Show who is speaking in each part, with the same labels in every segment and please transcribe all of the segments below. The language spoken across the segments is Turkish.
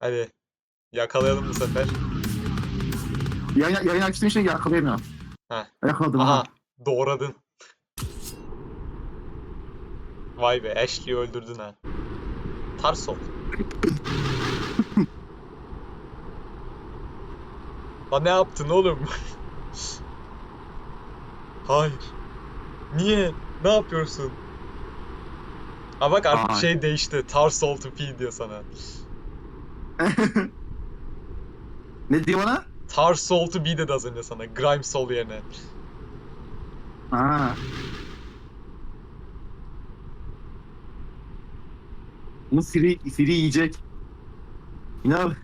Speaker 1: Hadi yakalayalım bu sefer.
Speaker 2: Yayın açtığım için yakalayamıyorum.
Speaker 1: Heh.
Speaker 2: Yakaladım
Speaker 1: Aha
Speaker 2: ha.
Speaker 1: doğradın. Vay be Ashley'i öldürdün ha. Tarsol. Lan ne yaptın oğlum? Hayır. Niye? Ne yapıyorsun? Ha bak artık
Speaker 2: Ay.
Speaker 1: şey değişti. Tarsol to P diyor sana.
Speaker 2: Ne diyor bana?
Speaker 1: Tarsol to be dedi az önce sana. Grimesol yerine.
Speaker 2: Ha. Bunu Siri yiyecek. İnan.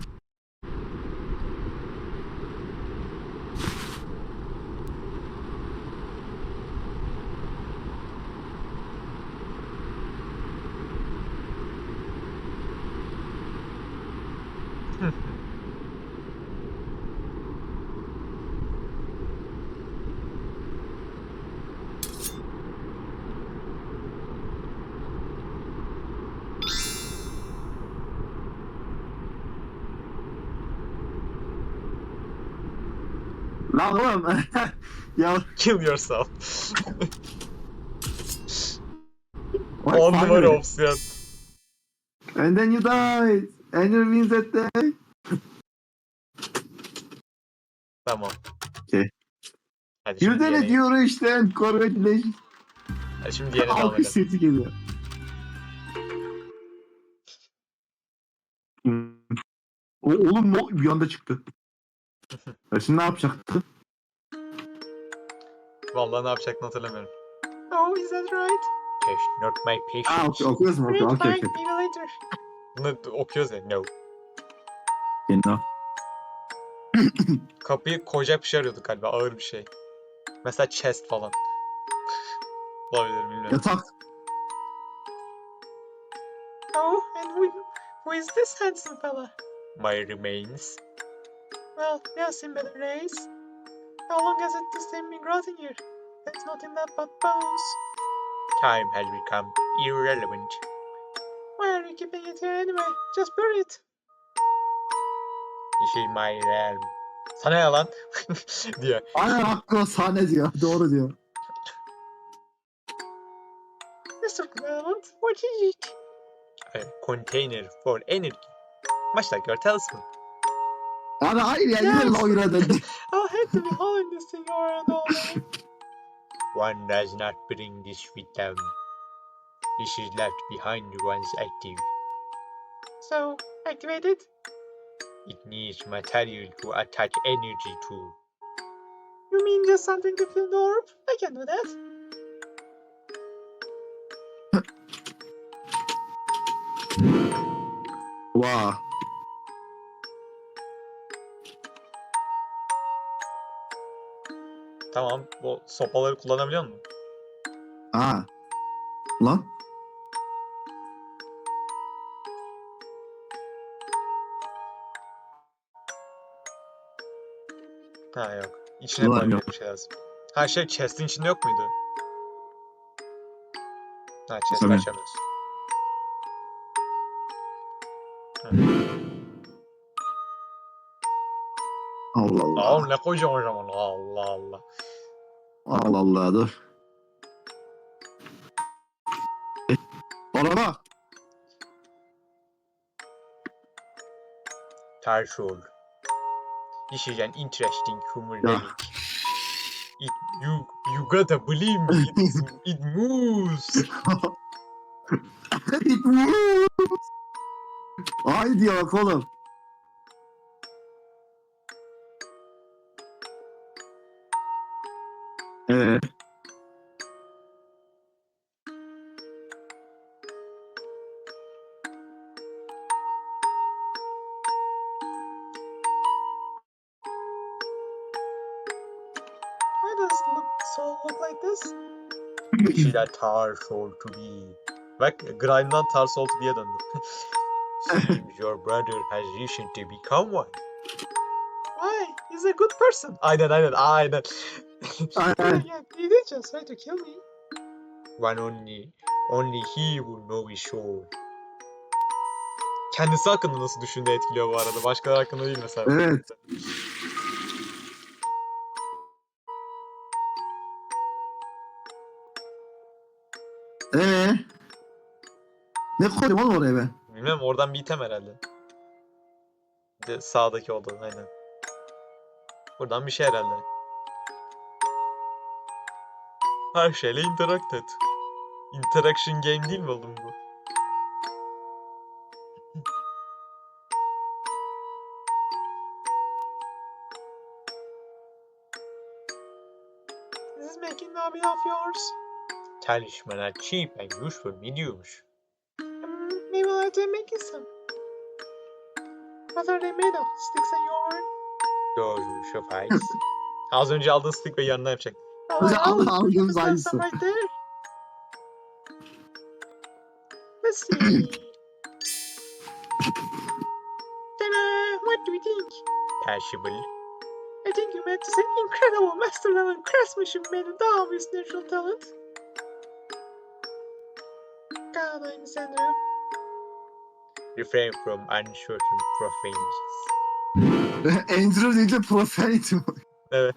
Speaker 2: Lan oğlum. Ya.
Speaker 1: Kill yourself.
Speaker 2: What
Speaker 1: 10 numara
Speaker 2: finally?
Speaker 1: opsiyon.
Speaker 2: And then you die. And you win that day.
Speaker 1: Tamam.
Speaker 2: Okay.
Speaker 1: Hadi şimdi
Speaker 2: Yürüdene
Speaker 1: yeni.
Speaker 2: diyor işte. Congratulations.
Speaker 1: Hadi şimdi yeni devam
Speaker 2: Alkış
Speaker 1: edelim.
Speaker 2: sesi geliyor. Oğlum bir anda çıktı. Ya şimdi ne yapacaktı?
Speaker 1: Vallahi ne yapacaktını hatırlamıyorum. Oh, is that right? Test not my patience.
Speaker 2: Okuyoruz mu? Okey.
Speaker 1: Maybe later. Bunu okuyoruz ya. No.
Speaker 2: Yeni.
Speaker 1: Kapıyı koyacak bir şey arıyorduk galiba. Ağır bir şey. Mesela chest falan. Olabilir bilmiyorum.
Speaker 2: Yatak.
Speaker 1: Oh, and who is this handsome fella? My remains. Well, they have seen better days. How long has this thing been rotting here? It's nothing that but bones. Time has become irrelevant. Why are you keeping it here anyway? Just bury it. This is my realm. Sana ne lan? diyor.
Speaker 2: Aynen hakkı sahne diyor. Doğru diyor.
Speaker 1: Mr. Clement, what is it? A container for energy. Much like your talisman.
Speaker 2: Abi hayır ya. Yine
Speaker 1: Yes.
Speaker 2: oyuna döndü.
Speaker 1: I'll have to be hauling this thing around all day. One does not bring this with them. This is left behind once active. So, activate it? It needs material to attach energy to. You mean just something to fill the orb? I can do that.
Speaker 2: Vaa.
Speaker 1: Tamam, bu sopaları kullanabiliyor musun?
Speaker 2: Ha. Lan.
Speaker 1: Ha yok. İçine
Speaker 2: Ulan
Speaker 1: koyacak
Speaker 2: yok.
Speaker 1: bir şey lazım. Ha şey chest'in içinde yok muydu? Ha chest'i
Speaker 2: Tabii.
Speaker 1: açamıyoruz. Hı.
Speaker 2: Allah Allah.
Speaker 1: Oğlum ne koyacağım o zaman? Allah Allah.
Speaker 2: Allah Allah dur. Araba.
Speaker 1: Tarşol. This is an interesting human
Speaker 2: Ya.
Speaker 1: relic. You gotta believe me. It moves.
Speaker 2: It moves. Ay diyor bak oğlum. Ee,
Speaker 1: Why does soul look like this? This is a tar soul to be. Bak Grime'dan tar soul to be'ye döndü. Seems your brother has recently become one. Why? He's a good person. Aynen.
Speaker 2: Aynen.
Speaker 1: Yeah, he did just try to kill me. Only he will know his soul. Kendisi hakkında nasıl düşündüğü etkiliyor bu arada. Başkaları hakkında değil mesela.
Speaker 2: Evet. Ee, ne koydum oğlum oraya ben?
Speaker 1: Bilmem, oradan bir item herhalde. Bir de sağdaki odadan aynen. Buradan bir şey herhalde. Her şeyle interact et. Interaction game değil mi oğlum bu? This is making a hobby of yours. Talismanlar cheap and useful mi diyormuş. Maybe I'll have to make you some. What are they made of? Sticks and yarn? Doğru, şofayız. Az önce aldığın stick ve yanına yapacak.
Speaker 2: Mesela aldığımız
Speaker 1: Some
Speaker 2: aynısı.
Speaker 1: right there. Let's see. Ta-da! What do you think? Perishable. I think you meant to say incredible master level craftsmanship made with obvious natural talent. God, I'm Sandra. Refrain from uncertain profanities.
Speaker 2: Andrew değil de profanity.
Speaker 1: Evet.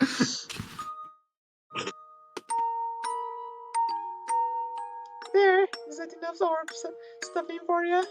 Speaker 1: There, is that enough stuffing for you?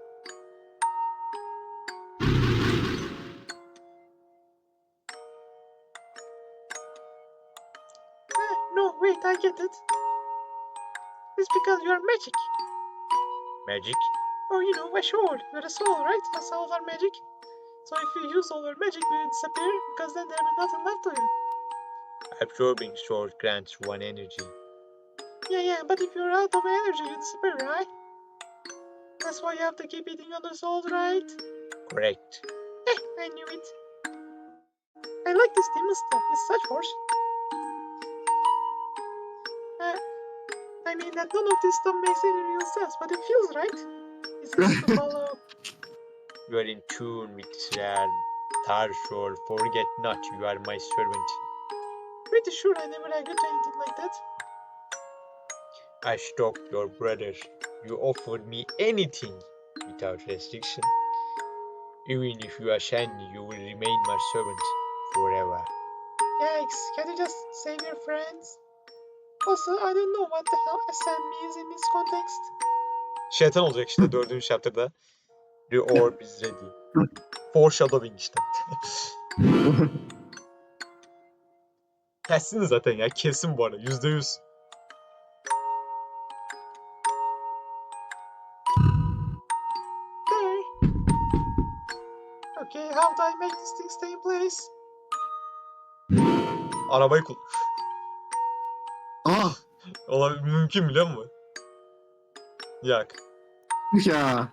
Speaker 1: No, wait, I get it. It's because you're magic. Magic? Oh, you know, a sword with a soul, right? And souls are magic. So if you use all your magic, will it disappear? Because then there'll be nothing left to you. Absorbing sword grants one energy. Yeah, but if you're out of energy, you disappear, right? That's why you have to keep eating other souls, right? Correct. I knew it. I like this demon stuff. It's such force. I mean that none of this stuff makes any real sense, but it feels right. It's easy to follow. You are in tune with this realm. Tarshol, forget not, you are my servant. Pretty sure I never agreed to anything like that. I stalked your brother. You offered me anything without restriction. Even if you are Shani, you will remain my servant forever. Yikes, can you just save your friends? Also, I don't know what the hell ascend means in this context. Şeytan olacak işte 4. chapter'da. The orb is ready. Foreshadowing işte. Kesin zaten ya, kesin bu arada, %100. There. Okay, how do I make this thing stay in place? Arabayı kullan.
Speaker 2: Ah
Speaker 1: Olabilir, mümkün biliyor musun? Yak.
Speaker 2: ya.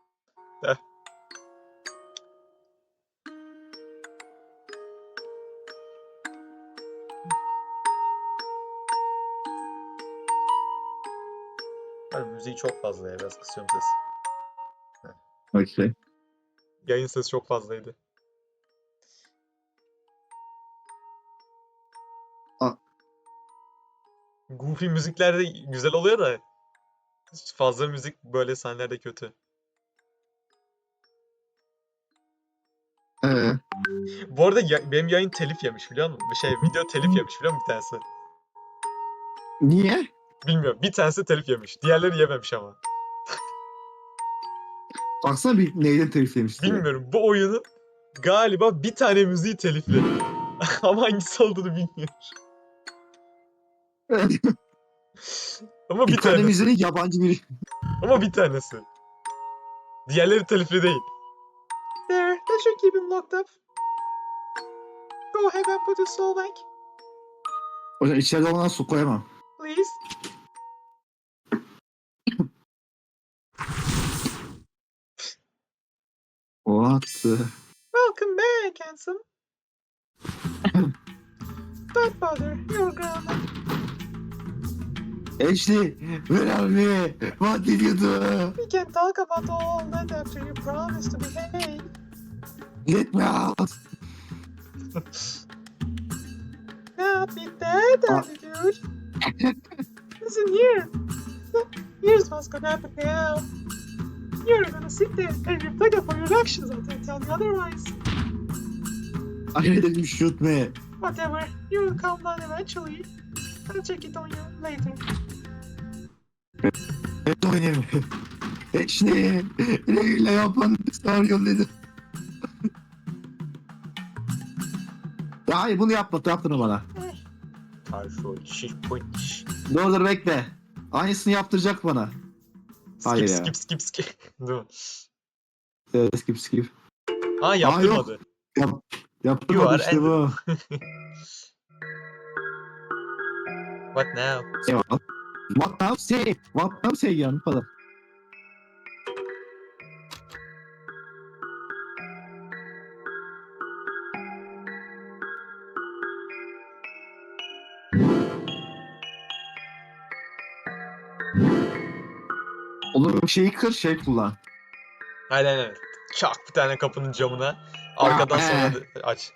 Speaker 1: Abi müziği çok fazla ya, biraz kısıyorum sesi.
Speaker 2: Okay.
Speaker 1: Yayın sesi çok fazlaydı. Goofy müzikler de güzel oluyor da fazla müzik böyle sahnelerde kötü. Bu arada benim yayın telif yemiş biliyor musun? Video telif yemiş biliyor musun bir tanesi?
Speaker 2: Niye?
Speaker 1: Bilmiyorum. Bir tanesi telif yemiş. Diğerleri yememiş ama.
Speaker 2: Baksana bir neyden teliflemiş diye.
Speaker 1: Bilmiyorum. Bu oyunun galiba bir tane müziği telifli. Ama hangisi olduğunu bilmiyorum. Ama
Speaker 2: bir tane
Speaker 1: tanesi.
Speaker 2: müziğin yabancı biri.
Speaker 1: Ama bir tanesi. Diğerleri telifli değil. There, that should keep him locked up. Go ahead and put his soul back.
Speaker 2: O yüzden içeride olmadan su koyamam.
Speaker 1: Please.
Speaker 2: What the...
Speaker 1: Welcome back, handsome. Don't bother, you're grounded.
Speaker 2: Ashley, where are we? What did you do?
Speaker 1: We can talk about all that after you promise to behave.
Speaker 2: Let me out.
Speaker 1: Not with that attitude. Listen here. Here's what's gonna happen now. You're gonna sit there and reflect upon your actions until I tell you otherwise.
Speaker 2: I didn't shoot me.
Speaker 1: Whatever, you will calm down eventually. I'll check it on you later.
Speaker 2: Evet oynayayım. İşte neyle yapan senaryo dedi. Ya hayır bunu yaptırma bana.
Speaker 1: Tarşol, şiş.
Speaker 2: Dur bekle. Aynısını yaptıracak bana. Hayır ya.
Speaker 1: Skip. Dur.
Speaker 2: Skip.
Speaker 1: Aa yaptırmadı.
Speaker 2: Yap,
Speaker 1: You
Speaker 2: yaptırmadı
Speaker 1: are
Speaker 2: işte bu.
Speaker 1: What now?
Speaker 2: What now say yani falan. Olur şeyi kır şey kullan.
Speaker 1: Aynen. Çak bir tane kapının camına. Arkadan sonra aç.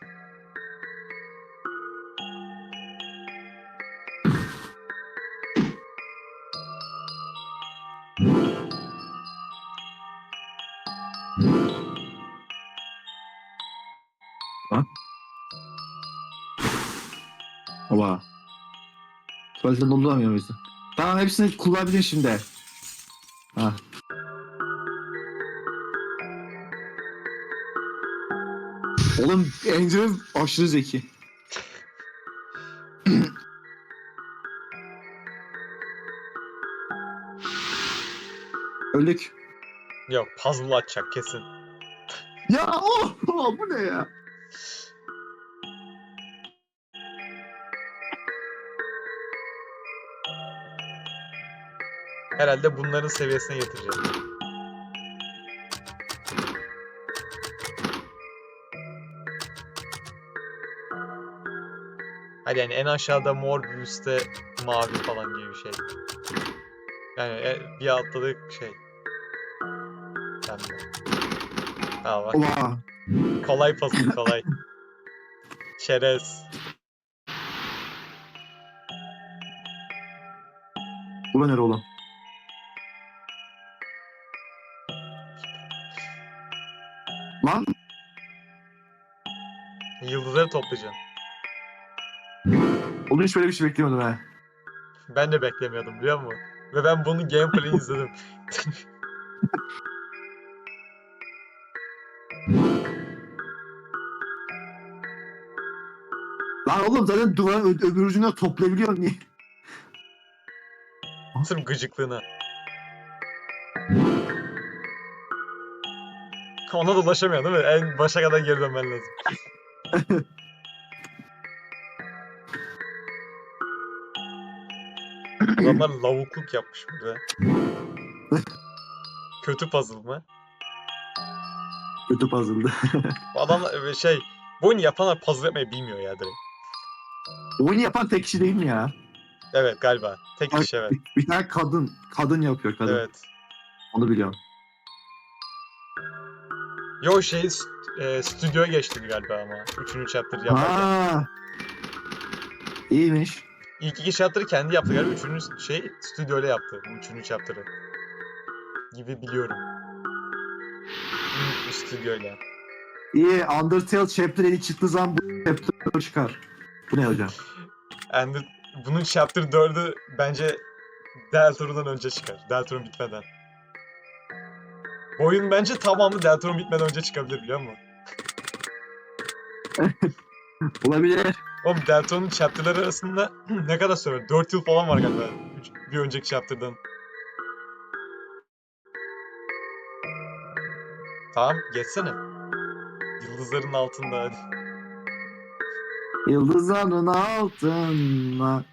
Speaker 2: Oba. Tuvalete dolduramıyor muyuz? Tamam hepsini kullanabilir şimdi. Ha. Oğlum Andrew aşırı zeki. Öldük.
Speaker 1: Yok puzzle açacak kesin.
Speaker 2: Ya bu ne ya?
Speaker 1: Herhalde bunların seviyesine getireceğim. Hadi yani en aşağıda mor, bir üstte mavi falan gibi bir şey. Yani bir altta şey. Pembe. Ha bak.
Speaker 2: Oba.
Speaker 1: Kolay puzzle kolay. Çerez.
Speaker 2: Bu ne oğlum? Lan
Speaker 1: Yıldızları toplayacaksın.
Speaker 2: oğlum hiç böyle bir şey beklemiyordum ha.
Speaker 1: Ben de beklemiyordum biliyor musun? Ve ben bunun gameplay'ini izledim.
Speaker 2: Lan oğlum zaten duvarın öbür ucuna toplayabiliyorsun niye?
Speaker 1: Sırf gıcıklığına. Ona da ulaşamıyor değil mi? En başa kadar geri dönmen lazım. Adamlar lavukluk yapmış burada. Kötü puzzle mı?
Speaker 2: Kötü puzzle'dı.
Speaker 1: Bu adamlar bu oyunu yapanlar puzzle yapmayı bilmiyor ya direkt.
Speaker 2: Oyunu yapan tek kişi değil mi ya?
Speaker 1: Evet galiba. Tek
Speaker 2: Bak,
Speaker 1: kişi evet.
Speaker 2: bir tane kadın yapıyor kadın.
Speaker 1: Evet.
Speaker 2: Onu biliyorum.
Speaker 1: Yo stüdyoya geçti galiba ama. Üçüncü chapter yaparken.
Speaker 2: Ha. İyiymiş.
Speaker 1: İlk iki chapter'ı kendi yaptı galiba. Üçüncü stüdyoyla yaptı. Bu üçüncü chapter'ı. Gibi biliyorum. Büyük bir stüdyoyla.
Speaker 2: İyi. Undertale Chapter 7 çıktığı zaman bu Chapter çıkar. Bu ne hocam?
Speaker 1: And bunun chapter 4'ü bence Deltaru'dan önce çıkar. Deltarune bitmeden. Bu oyun bence tamamı Deltarune bitmeden önce çıkabilir biliyor musun?
Speaker 2: Olabilir.
Speaker 1: Oğlum Deltarune'un chapter'ları arasında ne kadar süre? 4 yıl falan var galiba. Bir önceki chapter'dan. Tamam geçsene. Yıldızların altında hadi.
Speaker 2: Yıldızların altına.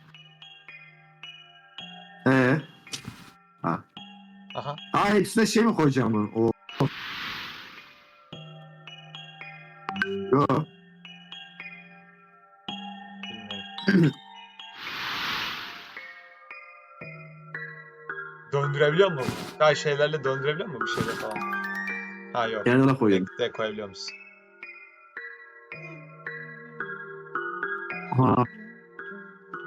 Speaker 2: Ha.
Speaker 1: Aha.
Speaker 2: Ha hepsine şey mi koyacağım bunu? O. Yo.
Speaker 1: Bilmiyorum. Döndürebiliyor musun? Ha şeylerle döndürebiliyor musun bir şeyler falan? Ha yok.
Speaker 2: Kenara koyuyorum.
Speaker 1: De koyabiliyor musun?
Speaker 2: Ha.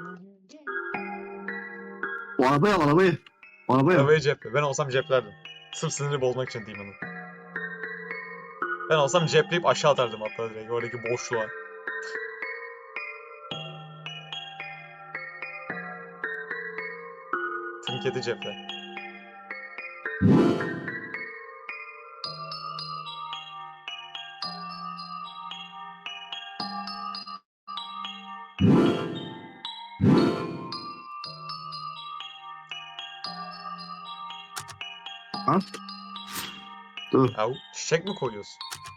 Speaker 2: O arabayı al arabayı. O arabayı al.
Speaker 1: Arabayı ceple. Ben olsam ceplerdim. Sırf siniri bozmak için Demon'ın. Ben olsam cepleyip aşağı atardım hatta direkt oradaki boşluğa. Trinketi ceple.
Speaker 2: Al. Dur.
Speaker 1: Ya çiçek mi koyuyorsun?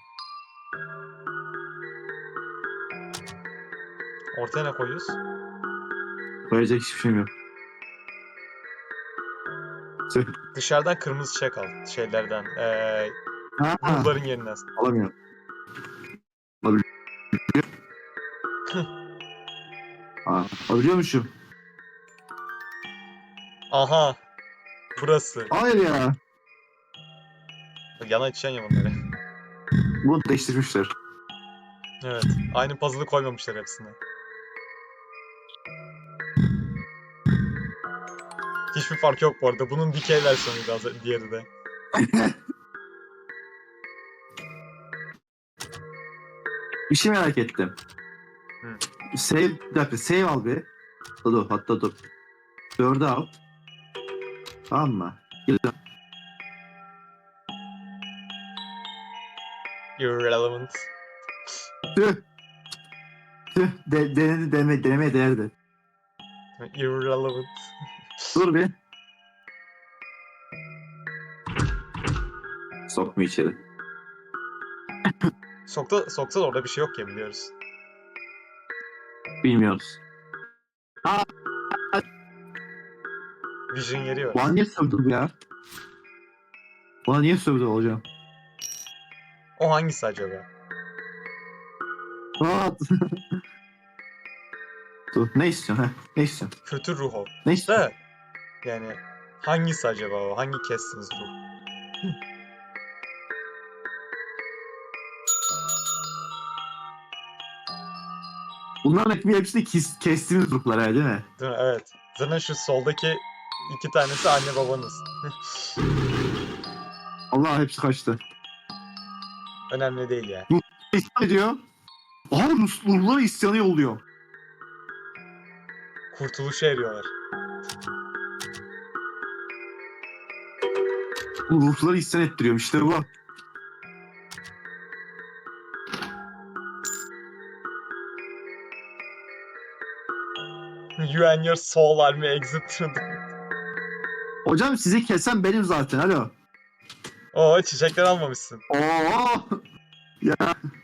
Speaker 1: Ortaya ne koyuyoruz?
Speaker 2: Koyacak hiçbir şeyim yok. Tüh.
Speaker 1: Dışarıdan kırmızı çiçek al. Şeylerden.
Speaker 2: Ha,
Speaker 1: Ruhların yerinden.
Speaker 2: alamıyorum. Alabiliyormuşum.
Speaker 1: Aha. Burası.
Speaker 2: Hayır ya.
Speaker 1: Bak, yana içeceksin ya bunları.
Speaker 2: Bunu değiştirmişler.
Speaker 1: Evet. Aynı puzzle'ı koymamışlar hepsine. Hiçbir fark yok bu arada. Bunun dikey versiyonuydu diğeri de.
Speaker 2: Bir şey merak ettim.
Speaker 1: Hı.
Speaker 2: Bir dakika save al bir. Hatta dur. 4'ü al. Tamam mı? Geliyorum.
Speaker 1: Irrelevant.
Speaker 2: Tüh. Tüh. Denemeye değerdi.
Speaker 1: Irrelevant.
Speaker 2: Dur bir. Sokma içeri.
Speaker 1: Soksa da orada bir şey yok ya biliyoruz.
Speaker 2: Bilmiyoruz.
Speaker 1: Vision yeri var.
Speaker 2: Bana niye sövdü bu ya? Bana niye sövdü hocam?
Speaker 1: O hangisi acaba?
Speaker 2: Rahat. Dur. Ne istiyorsun? Ne istiyorsun?
Speaker 1: Kötü ruh o.
Speaker 2: Ne istiyorsun?
Speaker 1: Da yani hangisi acaba o? Hangi kestiniz ruh?
Speaker 2: Bunların hepsini kestiğimiz ruhlar ha, değil mi?
Speaker 1: Değil mi? Evet. Zaten şu soldaki iki tanesi anne babanız.
Speaker 2: Allah hepsi kaçtı.
Speaker 1: Önemli değil ya.
Speaker 2: İsyan ediyor. Aha ruhları isyanı yolluyor.
Speaker 1: Kurtuluşa eriyorlar.
Speaker 2: Bu ruhları isyan ettiriyorum işte bu.
Speaker 1: You and your soul army exit.
Speaker 2: Hocam sizi kesen benim zaten alo.
Speaker 1: Oo çiçekler almamışsın.
Speaker 2: Oo. Ya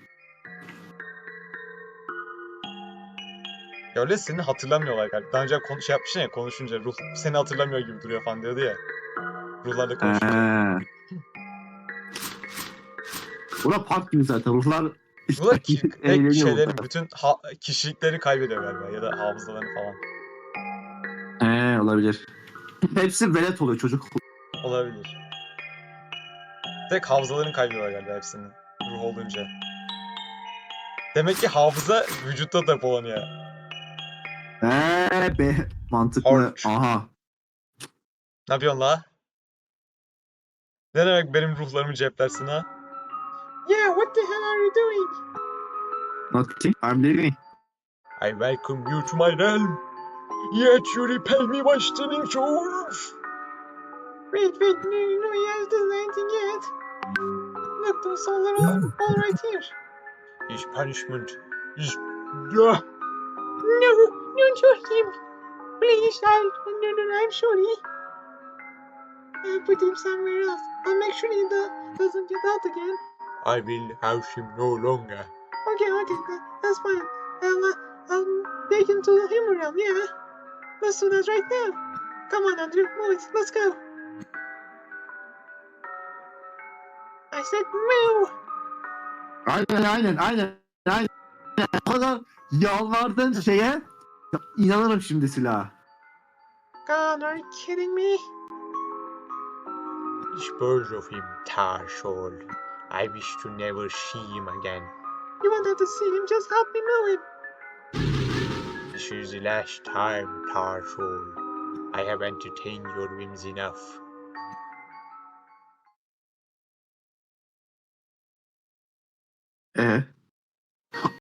Speaker 1: Ya öyle seni hatırlamıyorlar galiba. Daha önce şey yapmışsın ya konuşunca ruh seni hatırlamıyor gibi duruyor falan diyordu ya. Ruhlarla konuşunca.
Speaker 2: Bura park gibi zaten ruhlar
Speaker 1: Ruhlar
Speaker 2: eğleniyor
Speaker 1: şeylerin
Speaker 2: burada.
Speaker 1: bütün kişilikleri kaybediyor galiba ya da hafızalarını falan.
Speaker 2: Olabilir. Hepsi velet oluyor çocuk.
Speaker 1: Olabilir. Tek hafızalarını kaybediyorlar galiba hepsini. Ruh olunca. Demek ki hafıza vücutta depolanıyor.
Speaker 2: Be mantıklı.
Speaker 1: Hard.
Speaker 2: Aha.
Speaker 1: Ne yapıyorsun la? Ne demek benim ruhlarımı ceplersin ha? Yeah, what the hell are you doing?
Speaker 2: Nothing. I'm leaving.
Speaker 1: I welcome you to my realm. Yet you repel me by stealing souls. Wait, no, he hasn't done anything yet. Look, those souls are all right here. His punishment is... No, don't hurt him. Please, no, I'm sorry. I'll put him somewhere else. I'll make sure he doesn't get out again. I will house him no longer. Okay, that's fine. I'll take him to the humor realm, yeah. Let's do that right now. Come on, Andrew, move it. Let's go. I said move.
Speaker 2: Aynen. O kadar yalvardın şeye. Ya, inanırım şimdi silaha.
Speaker 1: God, are you kidding me? Dispose of him, tar soul. I wish to never see him again. You won't have to see him, just help me move him. This is the last time, tar soul. I have entertained your whims enough.
Speaker 2: E